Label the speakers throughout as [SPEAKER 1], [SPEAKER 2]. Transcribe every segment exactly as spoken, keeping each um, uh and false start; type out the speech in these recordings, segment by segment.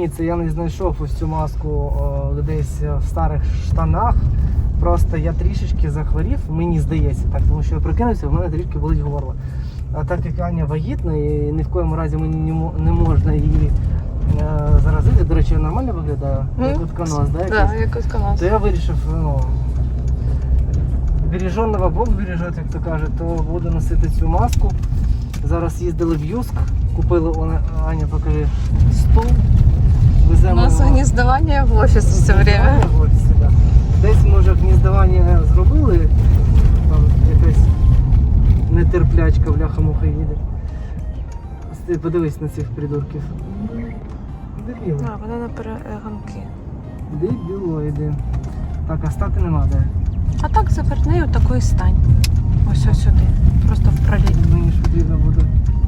[SPEAKER 1] Ні, це я не знайшов ось цю маску о, десь в старих штанах. Просто я трішечки захворів, мені здається так, тому що я прикинувся, в мене трішки болить горло. А так як Аня вагітна і ні в коєму разі мені не можна її е, заразити, до речі, нормально виглядає,
[SPEAKER 2] Mm.
[SPEAKER 1] як утконос, да?
[SPEAKER 2] Так, як утконос.
[SPEAKER 1] То я вирішив, ну, береженого Бог бережет, як то кажуть, то буду носити цю маску. Зараз їздили в Юск, купили, вона, Аня, покажи, стул. Веземо
[SPEAKER 2] У нас
[SPEAKER 1] його.
[SPEAKER 2] гнездование в офис все время.
[SPEAKER 1] В офісі, да. Десь, може, гніздування зробили, там якась нетерплячка, бляха-муха їде. Ти подивись на цих придурків. Дебіли.
[SPEAKER 2] А, вони на перегонки.
[SPEAKER 1] Дебілоїди. Так, а стати нема де.
[SPEAKER 2] А так заверни у такої стань. Ось ось сюди. Просто в проліт.
[SPEAKER 1] Мені ж потрібно буде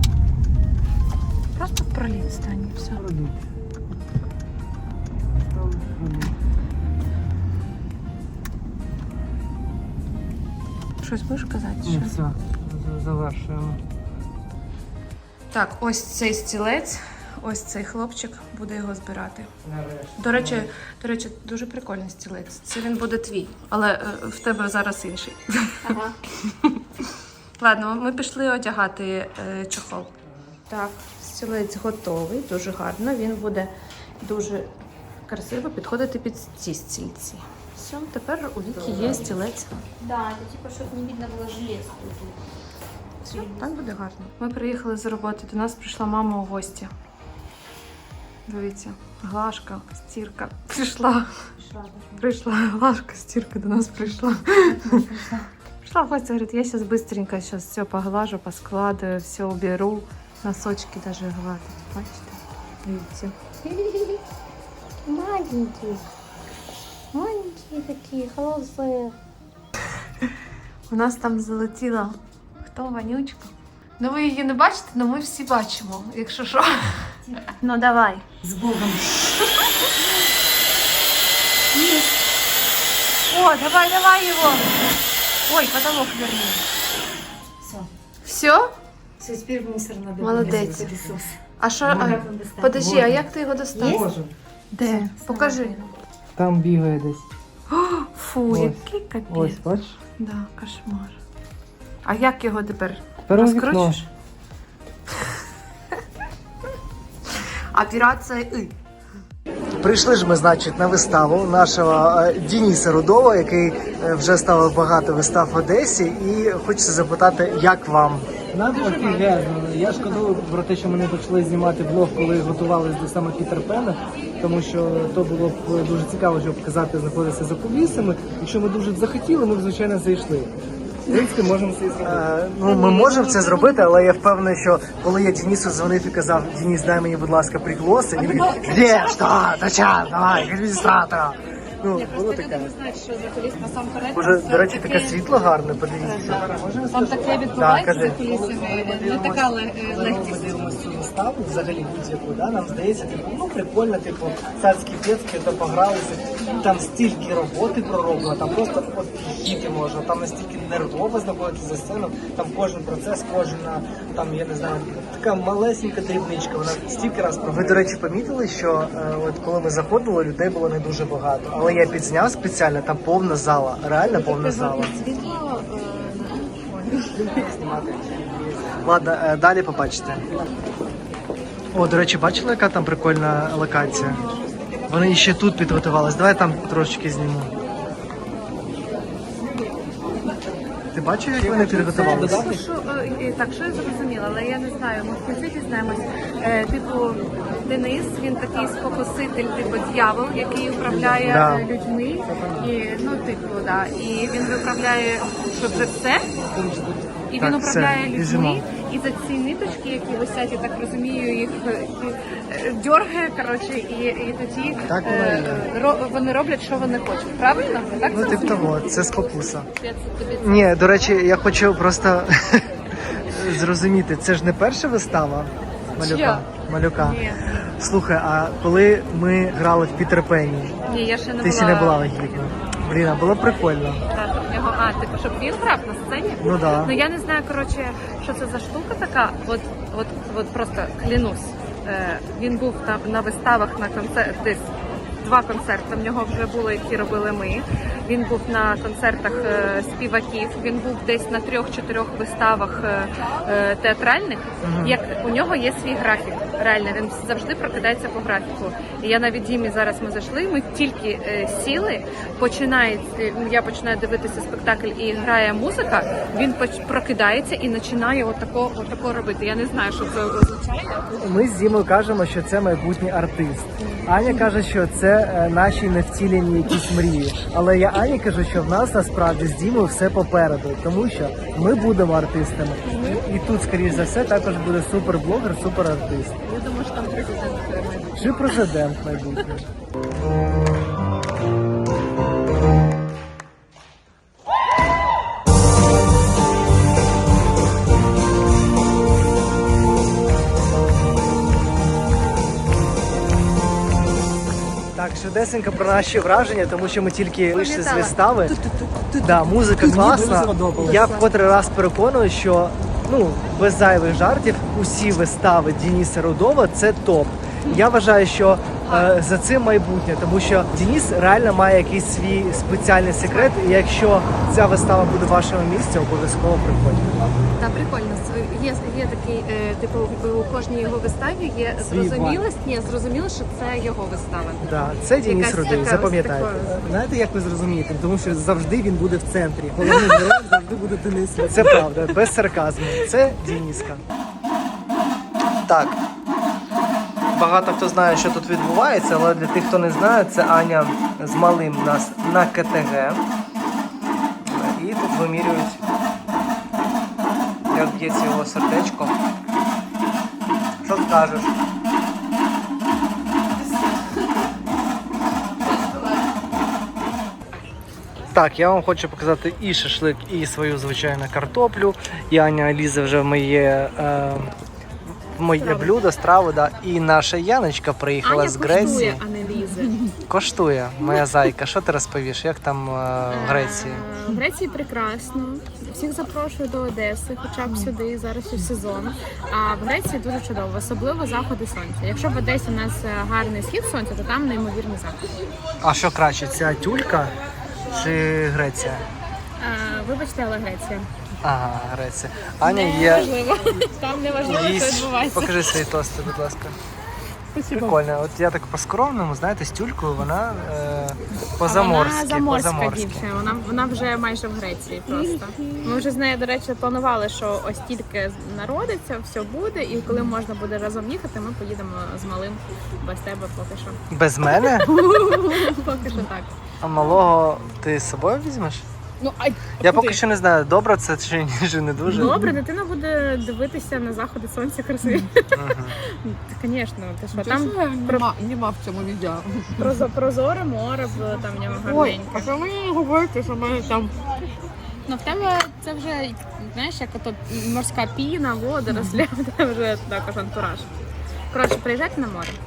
[SPEAKER 2] Просто в проліт стань і все.
[SPEAKER 1] проліт. Ставлю проліт.
[SPEAKER 2] Щось будеш казати?
[SPEAKER 1] Ні,
[SPEAKER 2] Що?
[SPEAKER 1] все, завершуємо.
[SPEAKER 2] Так, ось цей стілець, ось цей хлопчик буде його збирати.
[SPEAKER 1] Нарешті.
[SPEAKER 2] До речі, до речі, дуже прикольний стілець. Це він буде твій, але е, в тебе зараз інший.
[SPEAKER 3] Ага.
[SPEAKER 2] Ладно, ми пішли одягати е, чохол. Так, стілець готовий, дуже гарно. Він буде дуже красиво підходити під ці стільці. Все, тепер у Вікі є стілець.
[SPEAKER 3] Да, это типа, чтобы не видно было желез.
[SPEAKER 2] Все, так буде гарно. Ми приїхали з роботи, до нас прийшла мама у гості. Дивіться, Глашка, стірка прийшла. Прийшла Глашка, стірка до нас прийшла. Пришла в гости, говорит, я сейчас быстренько сейчас все поглажу, поскладываю, все уберу. Носочки даже гладить. Бачите? Видите?
[SPEAKER 3] Маленькие. Маленькие такие, холодные.
[SPEAKER 2] У нас там залетіла хто Ванючка. Ну ви її не бачите, але ми всі бачимо, якщо що. Ну давай.
[SPEAKER 3] С Богом.
[SPEAKER 2] О, давай, давай его. Ой, потолок верни.
[SPEAKER 3] Все.
[SPEAKER 2] Все?
[SPEAKER 3] Все, теперь мусор надо.
[SPEAKER 2] Молодець.
[SPEAKER 3] Пылесос.
[SPEAKER 2] А що?
[SPEAKER 3] Как
[SPEAKER 2] А,
[SPEAKER 3] он достать?
[SPEAKER 2] подожди, а як ти його достав?
[SPEAKER 3] Є?
[SPEAKER 1] Боже,
[SPEAKER 2] Де? Покажи.
[SPEAKER 1] там бігає десь.
[SPEAKER 2] Фу,
[SPEAKER 1] Ось.
[SPEAKER 2] який капець.
[SPEAKER 1] Ось, бачиш?
[SPEAKER 2] Да, кошмар. А як його тепер?
[SPEAKER 1] Тепер у вікно.
[SPEAKER 2] Розкручиш? Операція И.
[SPEAKER 1] Прийшли ж ми, значить, на виставу нашого е, Дениса Рудова, який е, вже ставив багато вистав в Одесі, і хочеться запитати, як вам? Нам офігезно. Я шкодую про те, що ми не почали знімати влог, коли готувалися до саме Пітер Пена, тому що то було б дуже цікаво, щоб показати, знаходитися за кулісами. Якщо ми дуже б захотіли, ми б, звичайно, зайшли. В принципі, можемо це і зробити. Ну, ми можемо це зробити, але я впевнений, що коли я Денису дзвонив і казав, Денис, дай мені, будь ласка, пригласи, він говорить, де, що, та ча, давай, адміністратора. Ну, було таке.
[SPEAKER 4] Знають, що за куліс насамперед.
[SPEAKER 1] Уже, до речі, таке світло гарне, подивіться.
[SPEAKER 4] Там таке
[SPEAKER 1] Так,
[SPEAKER 4] відбувається
[SPEAKER 1] кажи.
[SPEAKER 4] за кулісами, не така ле-
[SPEAKER 1] Ми
[SPEAKER 4] легкість.
[SPEAKER 1] дивимося цю виставу, взагалі будь-яку, да? Нам здається, типу, ну прикольно, типу, царські п'єцькі, то погралися, там стільки роботи пророблено, там просто офігіти можна, там настільки нервово знаходитися за сцену, там кожен процес, кожна, там, я не знаю, така малесенька дрібничка, вона стільки раз проводить. Ви, до речі, помітили, що е, от коли ми заходили, людей було не дуже багато, але я підзняв спеціально, там повна зала, реально повна зала.
[SPEAKER 4] Світло
[SPEAKER 1] Знімати. Ладно, е, далі побачите. О, до речі, бачили, яка там прикольна локація? Вони ще тут підготувались. Давай там трошечки зніму. Ти бачив, як вони підготувалися?
[SPEAKER 2] Що, що, е, так, що я зрозуміла, але я не знаю, ми в кінці дізнаємось. Е, типу, Денис, він такий спокуситель, типу дьявол, який управляє
[SPEAKER 1] Да.
[SPEAKER 2] е, людьми. І, ну, типу, да. І він виправляє, що вже все. І він
[SPEAKER 1] Так,
[SPEAKER 2] управляє
[SPEAKER 1] все,
[SPEAKER 2] людьми.
[SPEAKER 1] біжимо.
[SPEAKER 2] І за ці ниточки, які висять, я так розумію, їх е, е, дьоргає, коротше, і, і тоді
[SPEAKER 1] Так воно
[SPEAKER 2] е,
[SPEAKER 1] і є.
[SPEAKER 2] ро- вони роблять, що вони хочуть. Правильно? Я так
[SPEAKER 1] Ну, тип
[SPEAKER 2] зрозуміла?
[SPEAKER 1] того, це спокуса. Ні, до речі, я хочу просто зрозуміти, це ж не перша вистава Малюка?
[SPEAKER 2] Чия?
[SPEAKER 1] Малюка.
[SPEAKER 2] Ні.
[SPEAKER 1] Слухай, а коли ми грали в Пітер Пенні,
[SPEAKER 2] Ні, я ще не
[SPEAKER 1] ти
[SPEAKER 2] була.
[SPEAKER 1] ще не була вагітна. Блін, а було прикольно.
[SPEAKER 2] Так, в нього, а, типу, щоб він грав на сцені?
[SPEAKER 1] Ну да.
[SPEAKER 2] Ну я не знаю, коротше, що це за штука така. От, от, от просто клянусь. Е, Він був на, на виставах на концерт, десь два концерти в нього вже були, які робили ми. Він був на концертах е, співаків, він був десь на трьох-чотирьох виставах е, е, театральних. Як у нього є свій графік, реально, він завжди прокидається по графіку. І я навіть Дімі зараз ми зайшли, ми тільки е, сіли, починає, е, я починаю дивитися спектакль і грає музика, він поч- прокидається і починає отако, отако робити. Я не знаю, що це означає.
[SPEAKER 1] Ми з Дімою кажемо, що це майбутній артист. Аня каже, що це е, наші невтілені якісь мрії. Але я Ані кажу, що в нас насправді з Дімою все попереду, тому що ми будемо артистами. І, і тут, скоріш за все, також буде суперблогер, суперартист.
[SPEAKER 2] Я думаю, що там президент майбутній.
[SPEAKER 1] Чи президент майбутній. Так, швидесенько про наші враження, тому що ми тільки вийшли з вистави. Да, музика класна. Я в котрий раз переконую, що ну без зайвих жартів усі вистави Дениса Рудова це топ. Я вважаю, що е, за цим майбутнє, тому що Денис реально має якийсь свій спеціальний секрет. І якщо ця вистава буде в вашому місці, обов'язково приходьте.
[SPEAKER 2] Та прикольно. Є, є такий, е, типу, у кожній його виставі є
[SPEAKER 1] Свій
[SPEAKER 2] зрозумілость. Ні, зрозуміло, що це його вистава.
[SPEAKER 1] Да, це Денис
[SPEAKER 2] Якась
[SPEAKER 1] Рудой,
[SPEAKER 2] така-
[SPEAKER 1] запам'ятайте.
[SPEAKER 2] така-
[SPEAKER 5] Знаєте, як ви зрозумієте? Тому що завжди він буде в центрі. Головний герой завжди буде Денис.
[SPEAKER 1] Це правда, без сарказму. Це Дениска. Так. Багато хто знає, що тут відбувається, але для тих, хто не знає, це Аня з малим у нас на КТГ. І тут вимірюють, як б'ється його сердечко. Що скажеш? Так, я вам хочу показати і шашлик, і свою звичайну картоплю. І Аня лізе вже в моє, е, в моє блюдо, страву. Да. І наша Яночка приїхала
[SPEAKER 2] Аня
[SPEAKER 1] з Греції.
[SPEAKER 2] коштує, а не лізе.
[SPEAKER 1] Коштує, моя зайка. Що ти розповіш? Як там е, в Греції?
[SPEAKER 6] В Греції прекрасно. Всіх запрошую до Одеси, хоча б сюди, зараз ще сезон. А в Греції дуже чудово, особливо заходи сонця. Якщо в Одесі у нас гарний схід сонця, то там неймовірний захід.
[SPEAKER 1] А що краще, ця тюлька чи Греція?
[SPEAKER 6] А, вибачте, але Греція.
[SPEAKER 1] Ага, Греція. Аня є.
[SPEAKER 6] Важливо. Там не важливо, що
[SPEAKER 1] Їсть.
[SPEAKER 6] відбувається.
[SPEAKER 1] Покажи свої тости, будь ласка. Прикольно. От я так по-скромному, знаєте, з тюлькою вона е, по-заморськи.
[SPEAKER 6] Вона заморська
[SPEAKER 1] по-заморськи.
[SPEAKER 6] дівчина, вона, вона вже майже в Греції просто. Ми вже з нею, до речі, планували, що ось тільки народиться, все буде, і коли можна буде разом їхати, ми поїдемо з малим без тебе поки що.
[SPEAKER 1] Без мене?
[SPEAKER 6] Поки що так.
[SPEAKER 1] А малого ти з собою візьмеш?
[SPEAKER 6] Ну, а
[SPEAKER 1] Я поки що не знаю, добре це чи ні, чи не дуже.
[SPEAKER 6] добре, дитина буде дивитися на заходи сонця красиві.
[SPEAKER 1] Мгм.
[SPEAKER 6] Звісно, ти що там
[SPEAKER 4] нема, нема в цьому відео.
[SPEAKER 6] прозо- прозоре море було там в нього
[SPEAKER 4] Ой, а
[SPEAKER 6] гарненьке.
[SPEAKER 4] що мені говорите, що ми там
[SPEAKER 6] Ну в тебе це вже, знаєш, як ото морська піна, водоросля, це вже також антураж. Коротше, приїжджайте на море.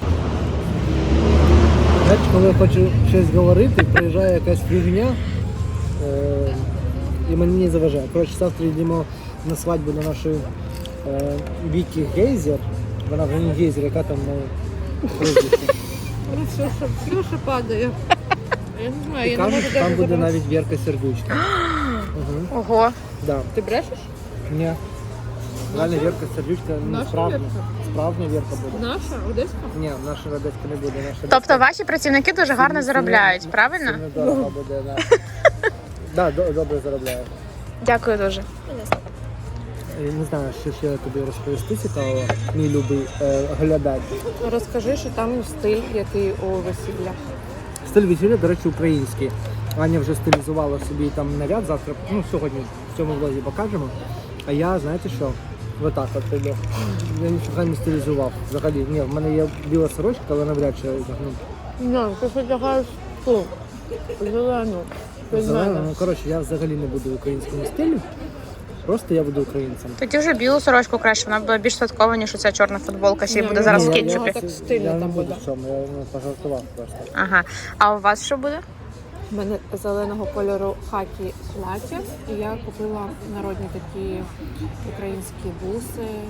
[SPEAKER 5] Знаєте, коли я хочу щось говорити, приїжджає якась фігня е- і мені не заважає. Коротше, завтра йдемо на свадьбу до нашої е- Вікі Гейзер. Вона вже не Гейзер, яка там на прізвище.
[SPEAKER 4] все, що, все, що падає. Я не знаю,
[SPEAKER 5] І
[SPEAKER 4] я не можу
[SPEAKER 5] кажуть, що там
[SPEAKER 4] навіть
[SPEAKER 5] буде
[SPEAKER 4] забрати.
[SPEAKER 5] навіть Вірка Сердючка. Угу.
[SPEAKER 2] Ого.
[SPEAKER 5] Да.
[SPEAKER 4] Ти брешеш?
[SPEAKER 5] Ні. Реально Вірка Сердючка не
[SPEAKER 4] Наша
[SPEAKER 5] справжня.
[SPEAKER 4] Вірка?
[SPEAKER 5] Справжня Вірка буде.
[SPEAKER 4] Наша, Одеська?
[SPEAKER 5] Ні, наша Радецька не буде. Наша
[SPEAKER 2] Тобто ваші працівники дуже гарно
[SPEAKER 5] Сильно-
[SPEAKER 2] заробляють,
[SPEAKER 5] сильно-
[SPEAKER 2] правильно?
[SPEAKER 5] Сильно дорого буде, да. Да, до- добре заробляє.
[SPEAKER 2] Дякую дуже.
[SPEAKER 5] Я не знаю, що ще тобі розповісти цікавого, мій любий е, глядач.
[SPEAKER 4] Розкажи, що там стиль, який у весілля.
[SPEAKER 5] Стиль весілля, до речі, український. Аня вже стилізувала собі там наряд завтра, ну сьогодні в цьому влозі покажемо. А я, знаєте що, отак от йду. Я нічого не стилізував взагалі. Ні, в мене є біла сорочка, але навряд чи я одягну.
[SPEAKER 4] Ні, ти одягаєш ту, зелену. Без
[SPEAKER 5] Зелено.
[SPEAKER 4] мене.
[SPEAKER 5] Ну, коротше, я взагалі не буду в українському стилі. Просто я буду українцем.
[SPEAKER 2] Тоді вже білу сорочку краще, вона буде більш святкова, ніж оця чорна футболка, ще й
[SPEAKER 4] Ні,
[SPEAKER 2] буде
[SPEAKER 4] ні,
[SPEAKER 2] зараз в
[SPEAKER 4] ні, я-
[SPEAKER 2] кетчупі.
[SPEAKER 4] так стильно
[SPEAKER 5] я не
[SPEAKER 4] там
[SPEAKER 5] буду
[SPEAKER 4] буде.
[SPEAKER 5] в цьому, я ну, пожартував просто.
[SPEAKER 2] Ага. А у вас що буде?
[SPEAKER 4] У мене зеленого кольору хакі плаття, і я купила народні такі українські буси,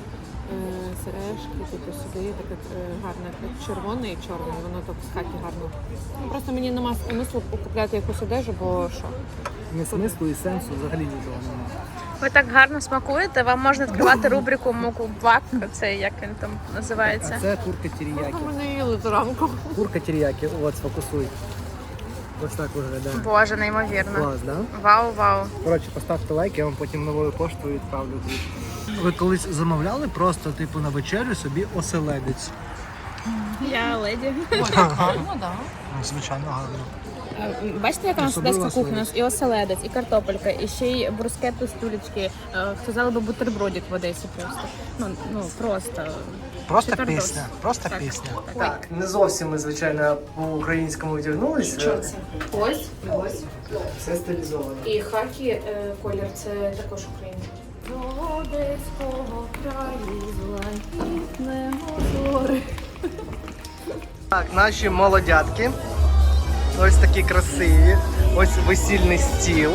[SPEAKER 4] сережки, типу сюди, таке е, гарне, так, червоне і чорне, воно так з хаті гарно. Ну, просто мені нема смислу купляти якусь одежу, бо що?
[SPEAKER 5] Не смислу і сенсу взагалі нічого немає.
[SPEAKER 6] Ви так гарно смакуєте, вам можна відкривати рубрику мукбак, це як він там
[SPEAKER 5] А
[SPEAKER 6] називається.
[SPEAKER 5] це курка тіріякі.
[SPEAKER 4] Ми не їли зранку.
[SPEAKER 5] Курка тіріякі, от, сфокусуй. Ось так виглядає.
[SPEAKER 6] Боже, неймовірно.
[SPEAKER 5] Клас, да?
[SPEAKER 6] Вау, вау.
[SPEAKER 5] Коротше, поставте лайк, я вам потім новою поштою відправлю. Ви колись замовляли просто, типу, на вечерю собі оселедець?
[SPEAKER 6] Я леді.
[SPEAKER 5] Звичайно, гарно.
[SPEAKER 6] Бачите, яка у нас
[SPEAKER 5] Особливо
[SPEAKER 6] одеська кухня? У нас
[SPEAKER 5] оселедець.
[SPEAKER 6] і оселедець, і картопелька, і ще й брускетти з тюлечки. Сказали би бутербродик в Одесі просто. Ну, ну просто.
[SPEAKER 1] Просто
[SPEAKER 6] Чотирдос.
[SPEAKER 1] пісня, просто
[SPEAKER 6] Так.
[SPEAKER 1] пісня.
[SPEAKER 6] Так.
[SPEAKER 1] Так, не зовсім ми, звичайно, по-українському вдягнулися.
[SPEAKER 2] Що це? Ось, ось.
[SPEAKER 1] Все стилізовано.
[SPEAKER 2] І хакі е, колір це також український. До одеського краю златітне озори.
[SPEAKER 1] Так, наші молодятки. Ось такі красиві. Ось весільний стіл.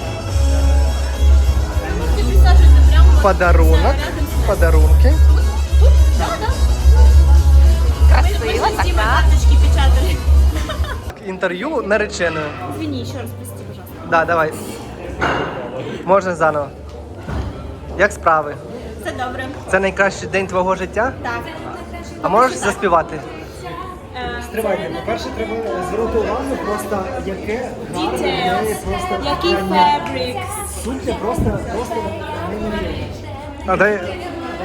[SPEAKER 1] Подарунок. Подарунки.
[SPEAKER 6] Красиво, так, так.
[SPEAKER 1] Інтерв'ю нареченою.
[SPEAKER 3] Извини, еще раз, прости, пожалуйста.
[SPEAKER 1] Да, давай. Можна заново. Як справи?
[SPEAKER 3] Все добре.
[SPEAKER 1] Це найкращий день твого життя?
[SPEAKER 3] Так.
[SPEAKER 1] А можеш заспівати?
[SPEAKER 5] Стривайте, по-перше, треба звернути увагу просто, яке гарне, в неї просто
[SPEAKER 3] Який
[SPEAKER 5] вбрання.
[SPEAKER 3] фабрик.
[SPEAKER 5] Сукня просто, просто неймовірна.
[SPEAKER 1] А дай...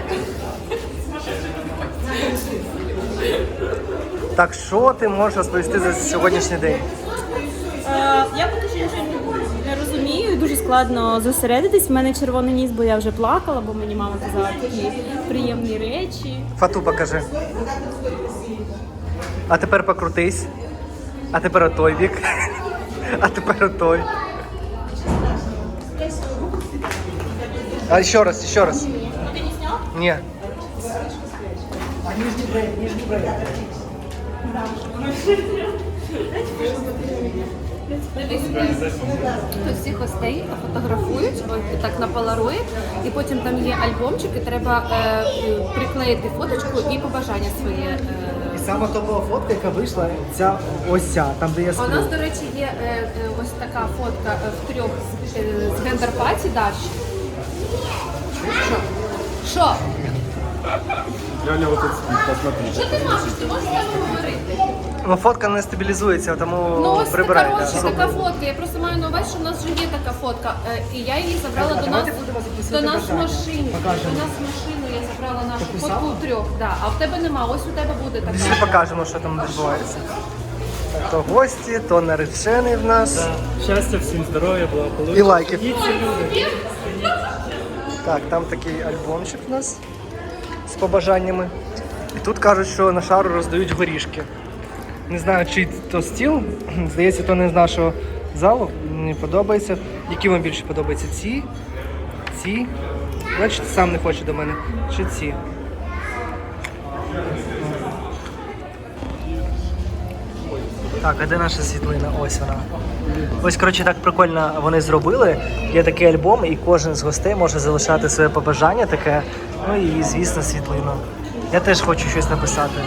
[SPEAKER 1] Так, що ти можеш розповісти за сьогоднішній день?
[SPEAKER 3] Е, Я поки що нічого не розумію, дуже складно зосередитись. У мене червоний ніс, бо я вже плакала, бо мені мама казала такі приємні речі.
[SPEAKER 1] Фату покажи. А тепер покрутись. А тепер отой бік. А тепер отой. А ще раз, ще раз.
[SPEAKER 3] Ти не сняв?
[SPEAKER 1] Ні.
[SPEAKER 7] Тут всіх гостей фотографують ось так на полароїд, і потім там є альбомчик, і треба е, приклеїти фоточку і побажання своє. Е.
[SPEAKER 1] І сама топова фотка, яка вийшла, ця ось ця, там де я
[SPEAKER 7] А у
[SPEAKER 1] сплю.
[SPEAKER 7] нас, до речі, є е, е, ось така фотка е, в трьох з, е, з гендер-паті Даші. Що? Що? Що ти можеш? Ти можеш так говорити?
[SPEAKER 1] Ну, фотка не стабілізується, тому
[SPEAKER 7] Ну ось
[SPEAKER 1] прибирай.
[SPEAKER 7] така,
[SPEAKER 1] да.
[SPEAKER 7] коротше,
[SPEAKER 1] Супер.
[SPEAKER 7] така фотка. Я просто маю на увазі, що в нас вже є така фотка. Е, І я її забрала до нас, до нас в машині.
[SPEAKER 1] Покажемо.
[SPEAKER 7] До нас в машину я забрала нашу
[SPEAKER 1] Таку
[SPEAKER 7] фотку
[SPEAKER 1] саму?
[SPEAKER 7] у трьох. Да. А в тебе нема, ось у тебе буде
[SPEAKER 1] Всі
[SPEAKER 7] така.
[SPEAKER 1] покажемо, що там відбувається. То гості, то наречений в нас.
[SPEAKER 8] Щастя, всім здоров'я,
[SPEAKER 1] І
[SPEAKER 8] благополуччя.
[SPEAKER 1] лайків.
[SPEAKER 8] І ці люди.
[SPEAKER 1] Так, там такий альбомчик у нас з побажаннями. І тут кажуть, що на шару роздають горішки. Не знаю, чий то стіл. Здається, то не з нашого залу. Мені подобається. Які вам більше подобаються? Ці? Ці? Бачите, сам не хоче до мене. Чи ці? Так, а де наша світлина? Ось вона. Ось, коротше, так прикольно вони зробили. Є такий альбом, і кожен з гостей може залишати своє побажання таке. Ну і, звісно, світлину. Я теж хочу щось написати.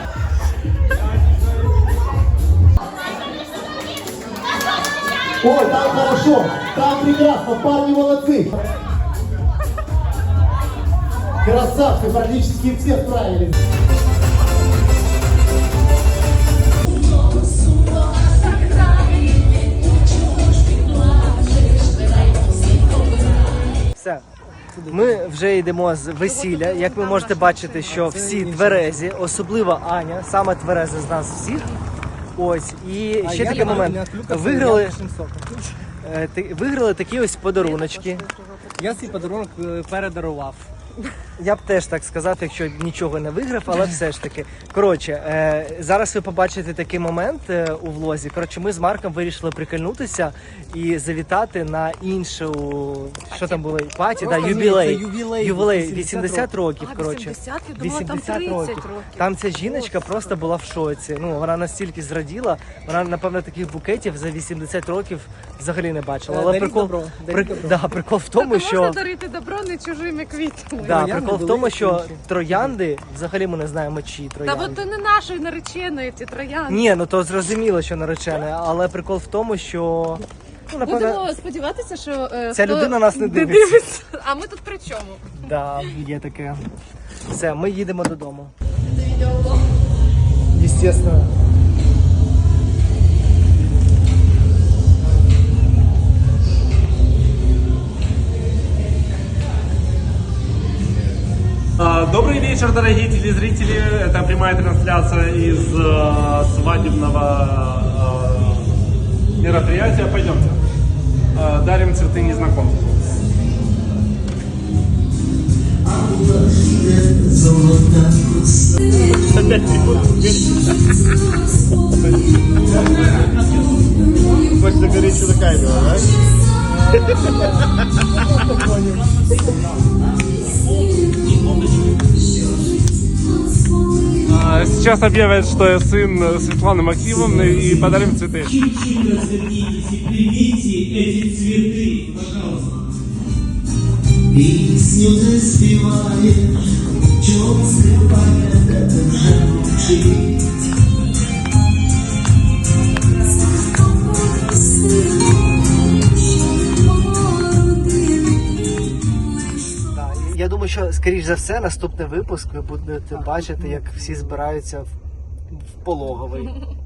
[SPEAKER 9] Ой, там хорошо, там прекрасно, парни молодцы. Красавцы, практически все справились.
[SPEAKER 1] Все. Ми вже йдемо з весілля. Як ви можете бачити, що всі тверезі, особливо Аня, саме твереза з нас всіх. Ось. І ще такий момент. Виграли, е, ти- виграли такі ось подаруночки.
[SPEAKER 5] Я свій подарунок е, передарував.
[SPEAKER 1] Я б теж так сказати, якщо нічого не виграв, але все ж таки. Коротше, е, зараз ви побачите такий момент е, у влозі. Коротше, ми з Марком вирішили прикольнутися і завітати на іншу, що там було, паті, да,
[SPEAKER 5] Просто ні,
[SPEAKER 1] юбілей.
[SPEAKER 5] це ювілей,
[SPEAKER 1] Ювілей,
[SPEAKER 5] вісімдесят
[SPEAKER 1] вісімдесят років, коротше.
[SPEAKER 4] вісімдесят? Я думала, там тридцять років.
[SPEAKER 1] Там ця жіночка просто була в шоці. Ну, вона настільки зраділа, вона, напевно, таких букетів за вісімдесят років взагалі не бачила. Але
[SPEAKER 5] Даріть
[SPEAKER 1] прикол,
[SPEAKER 5] добро, даріть
[SPEAKER 1] прик-
[SPEAKER 5] добро.
[SPEAKER 1] да, прикол в тому,
[SPEAKER 4] Можна
[SPEAKER 1] що...
[SPEAKER 4] дарити добро не чужими квітами.
[SPEAKER 1] Да,
[SPEAKER 5] троянди
[SPEAKER 1] прикол в
[SPEAKER 5] були
[SPEAKER 1] тому, що
[SPEAKER 5] інші.
[SPEAKER 1] троянди, взагалі ми не знаємо, чиї
[SPEAKER 2] Та
[SPEAKER 1] троянди.
[SPEAKER 2] бо ти не нашої нареченої, ті троянди.
[SPEAKER 1] Ні, ну то зрозуміло, що наречене, але прикол в тому, що ну, напевно,
[SPEAKER 2] Будемо сподіватися, що е,
[SPEAKER 1] ця
[SPEAKER 2] хто
[SPEAKER 1] людина нас не дивиться.
[SPEAKER 2] А ми тут при чому?
[SPEAKER 1] Да, є таке. Все, ми їдемо додому. Естественно.
[SPEAKER 8] А, Добрый вечер, дорогие телезрители. Это прямая трансляция из э, свадебного э, мероприятия. Пойдемте. Э, дарим цветы незнакомцу.
[SPEAKER 9] Хочется говорить, что такая была, да?
[SPEAKER 8] А, Сейчас объявят, что я сын Светланы Максимовны, и подарим цветы.
[SPEAKER 9] Пісню не співаєш, чого скриває, де ти вже мовчить.
[SPEAKER 1] Да, і я думаю, що скоріш за все, наступний випуск ви будете бачити, як всі збираються в, в пологовий.